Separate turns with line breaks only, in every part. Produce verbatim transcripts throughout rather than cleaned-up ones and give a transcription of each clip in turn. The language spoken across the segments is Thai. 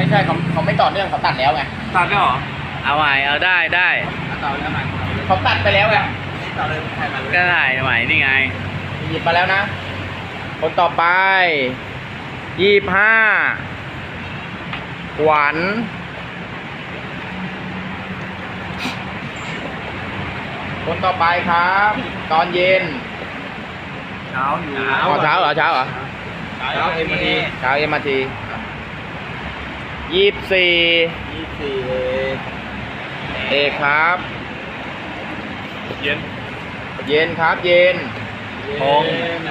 ใช่เขาเขาไม่ต่อเนื่องเขาตัดแล้วไง
ตัดได้หรอ
เอาใหม่เอาได้ได้
ต่อแล้วใหม่
เขาตัดไปแล้วไง
ต่อเลยใครมาเลย
ก็ได้ใหม่นี่ไง
หยิบมาแล้วนะ คนต่อไปยี่สิบห้าขวัญคนต่อไปครับ ตอนเย็น
เช้าอยู่
อ๋อเช้าเหรอเช้าเหรอ
เช้าเอ็มที
เช้าเอ็มอาร์ทียี่สิบสี่
ยี่สิบสี่
เอกครับ
เย็น
เย็นครับเย็น
ทง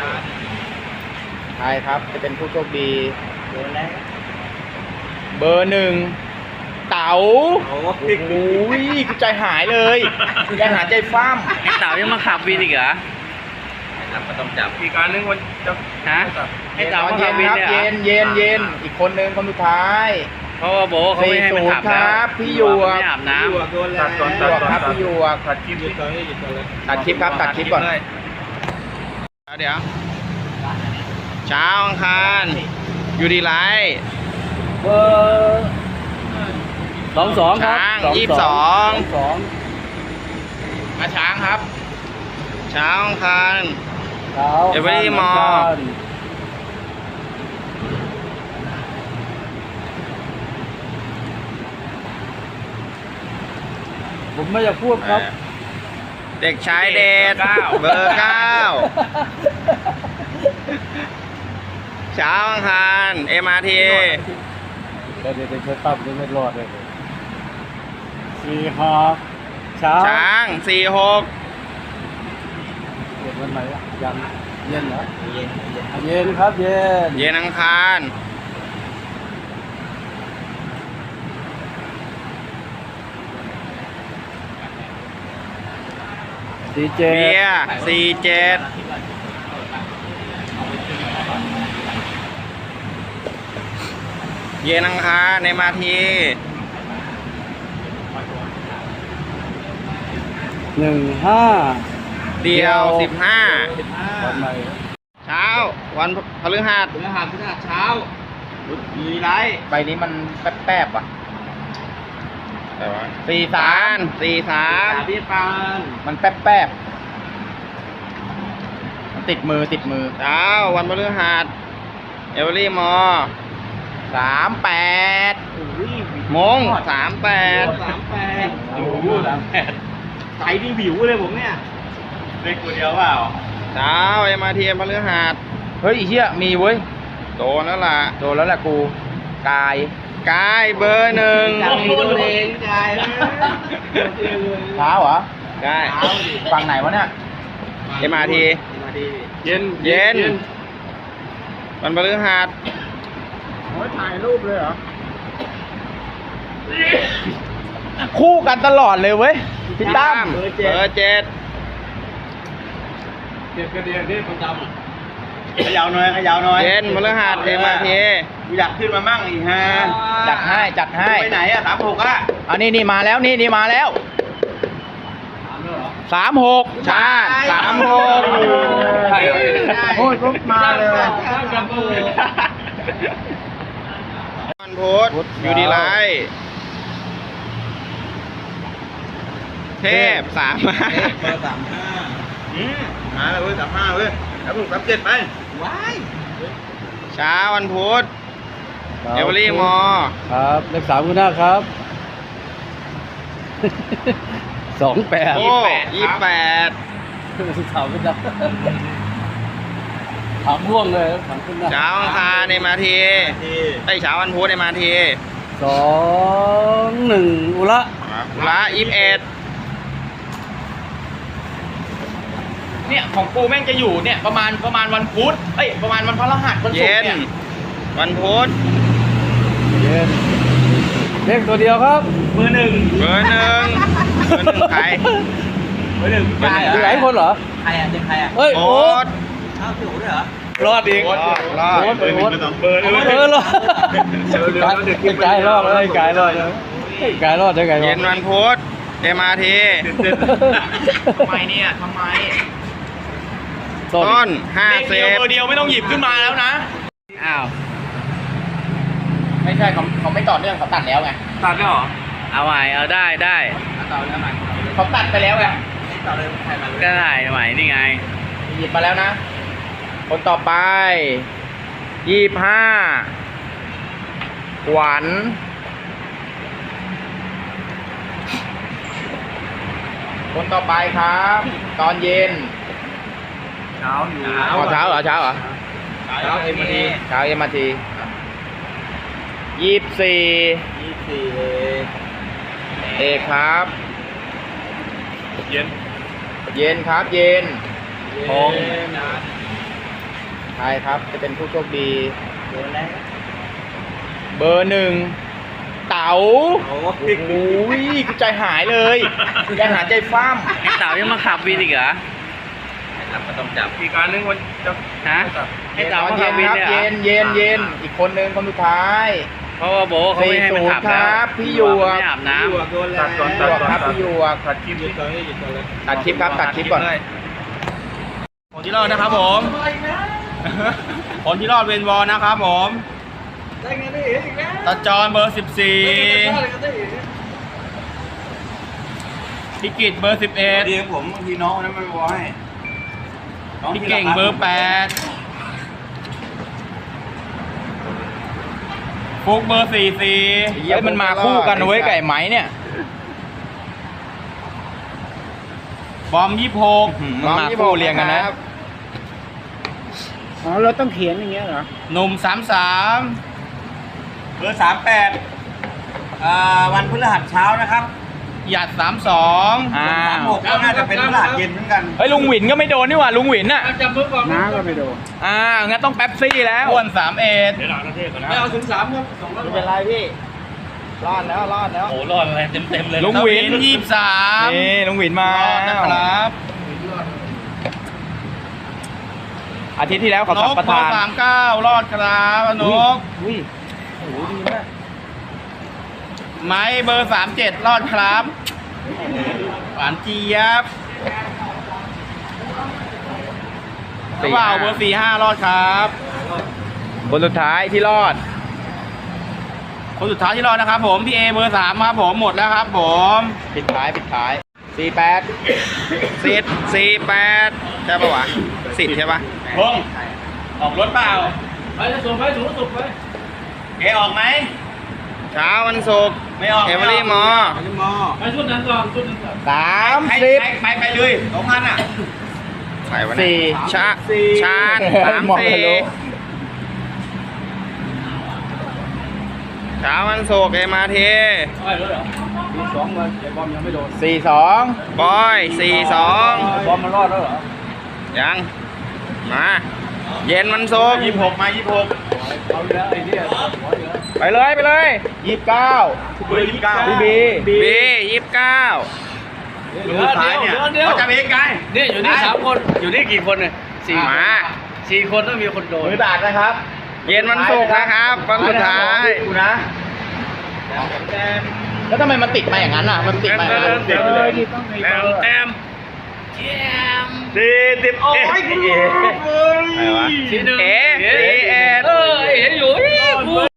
ใครครับจะเป็นผู้โชคดี
โดนแล้ว
เบอร์หนึ่งเต๋า
โอ้
โอ้ยกูใจหายเลยใจหายใจฟ้าม
ไอ้เต่ายังมาขับวินอีกเหรอ
ครับก็ต้องจับอีกการนึงวันจะ
ฮะไอ้เต่า
ตอน
มา
เย็
ขับ
น
วิน
ครับ
เนี่ยเหร
เย็
อน
เย็นเย็นอีกคนนึงคนสุดท้าย
เพราะว่าโบเขาไม่ให้มันขับ
สี่ศูนย์ค
แล้
รั
ว
บพี่หยวก
ไม่อาบน้
โดนแล้ว
พี่หยวกครับพี่หยวก
ตัดคลิปหยุดก่อนหยุดก่อนเลย
ตัดคลิปครับตัดคลิปก่อนเดี๋ยวเช้าอังคารอยู่ดีไลท์
ำเบอร์สองสองครับ
ช้างยี่สิบสอง
สอง
มาช้างครับ เช้าอังคาร
เช้า
เดี๋ยวไปที่มอ
ผมไม่อยากพูดครับ
เด็กชายเดชเบอร์เก้าเช้าอังคารเอ็มอาร์ที
เดี๋ยวเดี๋ยวเดี๋ยวตั้มจะไม่รอดเลยสี่หกเช้า
ช้างสี่หก
เย็นวันไหนอะยังเย็นเหรอ
เย็นเย็น
เย็นครับเย็น
เย็นอังคาร
สี่เจ็
เบี
ด
ยร์สี่เจ็ดเย็นอังคารในมาที
หนึ่งห้า
เดียวสิบห้า
วันไหน
เช้าวันพฤหัส
ถึงอาหารที่เช้าอยู่ดีไร
ใบนี้มันแป๊บๆว่ะสี่สามสี่สาม
พี่ปาน
มันแป๊บๆมันติดมือติดมือเช้าวันพฤหัสเอเวอรี่มอสามแปด
อุ้ย
มงสามแปด
สามแปดโอ้โหสามแปดใจดีวิวเลยผมเนี่ยเล็กตัวเดียวเปล่า
เช้าเอ็มอาร์ทีพฤหัสเฮ้ยไอ้เหี้ยมีเว้ยโดนแล้วล่ะโดนแล้วแหละกูกายกายเบอร์หนึ่ง
ใจตัวเองใจ
เช้าเหรอได้ฝั่งไหนวะเนี่ยเอ็มอาร์ที
มาดีเย็น
เย็นวันพฤหัส
โอ้ยถ่ายรูปเลยเหรอ
คู่กันตลอดเลยเว้ยพี่ตั้ม
เบ
เบ
อ
อ
ร์
ร์
เจ็ด
เจ็ด
เจ็บกระเดียนนี่ประจำอ่ะขยาวหน่อยขยาวหน่อย
เย็นพฤหัสเอ็มอาร์ที
กูอยากขึ้นมามั่งอีกฮะ
จัดให้จัดให้
ไปไหนอะสามหกอะ
อันนี้นี่มาแล้วนี่นี่มาแล้วสามหกใช่สามหก
โอ้ยก็มาเลย
วันพุธอยู่ดีไลท์เทพสามห้า
เบอร์สามห้าอืมมาเลยเว้ยสามห้าเว้ยแล้วผมสามเจ็ดไปว้าย
เช้าวันพุธเอเวอรี่มอ
ครับเลขสามคุณหน้าครับสองแปด
โอ้ยี่สิบแปด
สามคุณหน้าถามร่วงเลยถามคุณหน้า
เช้าอังคารในมาที
ที่
ไอ้ยเช้าวันพุธในมาที
สองหนึ่งอุระ
อุระยี่สิบเอ็ดเนี่ยของกูแม่งจะอยู่เนี่ยประมาณประมาณวันพุธเอ้ยประมาณวันพฤหัสวันศุกร์เนี่ยวันพุธ
เย็นเลขตัวเดียวครับ
เบอร์หนึ่ง
เบอร์หนึ่งเบอร์หนึ่งใคร
เบอร์หนึ่ง
เบอร์หนึ่ง
มีหลายคนเหรอ
ใครอะเด็กใครอะ
เฮ้ย
โอ๊
โอ๊
ต
ต
อ้าวถูกด้วยเหรอ
รอดอีก
รอดรอด
โอ๊ต
เบอร์หนึ่งเบอร์สองเบอร์
เออรอดกายรอดเลยกายรอดเลยกายรอดได้ไง
เย็นวันพุธเอ็มอาร์ที
ทำไมเนี่ยทำไม
ต้นห้า
เลข
สิ
เดียว
บ
เบอร์เดียวไม่ต้องหยิบขึ้นมาแล้วนะ
อ้าว
ไม่ใช่เขาเขาไม่ต่อเนื่องเขาตัดแล้วไง
ตัดได้หรอ
เอาใหม่เอาได้ได้
ต่อแล้วใหม่
เขาตัดไปแล้วไง
ต่อเลยใครมาเลย
ก็ได้ใหม่นี่ไง
หยิบมาแล้วนะ คนต่อไปยี่สิบห้าขวัญคนต่อไปครับ ตอนเย็น
เช้าอยู่
อ๋อเช้าเหรอเช้าเหรอ
เช้าเอ็มดี
เช้าเอ็มอาทียี่สิบสี่
ยี่สี่
เอกครับ
เย็น
เย็นครับเย็น
พง
ใครครับจะเป็นผู้โชคดี
โดนแล้ว
เบอร์หนึ่งเต๋า
โอ้
โอ้ยกูใจหายเลยใจหายใจฟ้าม
ไอ้เต๋ายังมาขับวินอีกเหรอ
ก็ต้องจับอีกการนึงวันจะ
ฮะไอ้เต๋ามา
เย็
ขับ
น
วิน
ครับ
เนี่ยเหร
เย็
อน
เย็นเย็นอีกคนนึงคนสุดท้าย
เพราะว่าโบเขา
สี่
ไม่ให้มัน
ศูน
ขับ
ย์ค
แล้ว
รับพี่หยวก
ไม่อาบน้ำ
โดนแล้ว
หยวกครับพี่หยวก
ตัดคลิปหยุดก่อนหยุดก่อนเลย
ตัดคลิปครับตัดคลิปก่อน
ผลที่รอดนะครับผมผลที่รอดเวนวอลนะครับผมตาจอนเบอร์สิบสี่พี่กิตเบอร์สิบเอ็ด
ดีครับผมบางทีน้องคนนั้นไม่บอกให้
พี่เก่งเบอร์แปดฟุกเบอร์สี่สี่
เฮ้ยมันมาคู่กันนะเว้ยไก่ไหมเนี่ย
บอมยี่หก
มันมาคู่เรียงกันนะ
อ๋อเราต้องเขียนอย่างเงี้ยเหรอ
หนุ่มสามสาม
เบอร์สามแปดอ่าวันพฤหัสเช้านะครับ
หยัดสามสอง
อ่า
สามหกก็น่าจะเป็นพฤหัสเย็นเหมือนกัน
เฮ้ยลุงหวินก็ไม่โดนนี่หว่าลุงหวินน่ะ
น้าก็ไม่โดน
อ่างั้นต้องแป๊บซี่แล้ว
อ้วนสามเอ็ด
ไม่เอาถึงสามครับสองร้อย
ไม่เป็นไรพี่ รอดแล้วรอดแล้ว
โอ้รอดอะไรเต็มเต็มเลยลุงวินยี่สิบสาม
นี่ลุงหวินมาร
อดนะครับ
อาทิตย์ที่แล้วเขา
น
สัม
ก
ป
เบอ
ทาน
ร์สามเก้ารอดครับนก
อุ้ยโอ้โหดีมาก
ไม้เบอร์สามเจ็ดรอดครับหวานเจี๊ยบกระเป๋าเบอร์สี่ห้ารอดครับ
คนสุดท้ายที่รอด
คนสุดท้ายที่รอดนะครับผมพี่เอเบอร์สามครับผมหมดแล้วครับผม
ปิดท้ายปิดท้ายสี่แปด
สิทธิ์สี่แปดใช่ปะวะสิทธิ์ใช่ปะพงออกรถเปล่า
ไปจะส่งไปสูงสุดไป
เอออกไหมเช้าวันศุกร์
ไม่ออก
เอเวอรี่มอ
มอไปชุดนั้นก่อนชุดนั้นก่อน
สาม
ไป
สิบ
ไปไปเลยสองพันอ่ะไปวัน
สี่
ชาชาญสาม
มอง
สี่
ทะลุ
เช้าวันศุกร์เอมาเท
ไปเลยเหรอมีสองวันไอ้บอมยังไม่โดน
สี่สอง
บอยสี่สอง
บอมมันรอดแล้วเหรอ
ยังมาเย็นวันศุกร์ยี่หกมายี่หก
เอาแล้วไอ้เนี่ย
ไปเลยไปเลยยี่สิบเก้า
เบอร์ยี่สิบเก้า
พี่บี
บียี่สิบเก้า
ลูกท้ายเนี่ย
เขาจะเบรกไง
นี่อยู่นี่สามคนอยู่นี่กี่คนเนี่ยสี่
มา
สี่คนต้องมีคนโดน
มือดาดนะครับ
เย็นวันศุกร์นะครับวันสุดท้าย
กูนะแล้วทำไมมันติดมาอย่างนั้นอ่ะ มันติดมาอย่างนั้น
เต็มเลยแต้มแต้มสี่สิบโอ้ยคุณ
อะไรวะ
สี่หนึ่ง
เอ๋สี่เอ็ด
เออเห็นอยู่นี่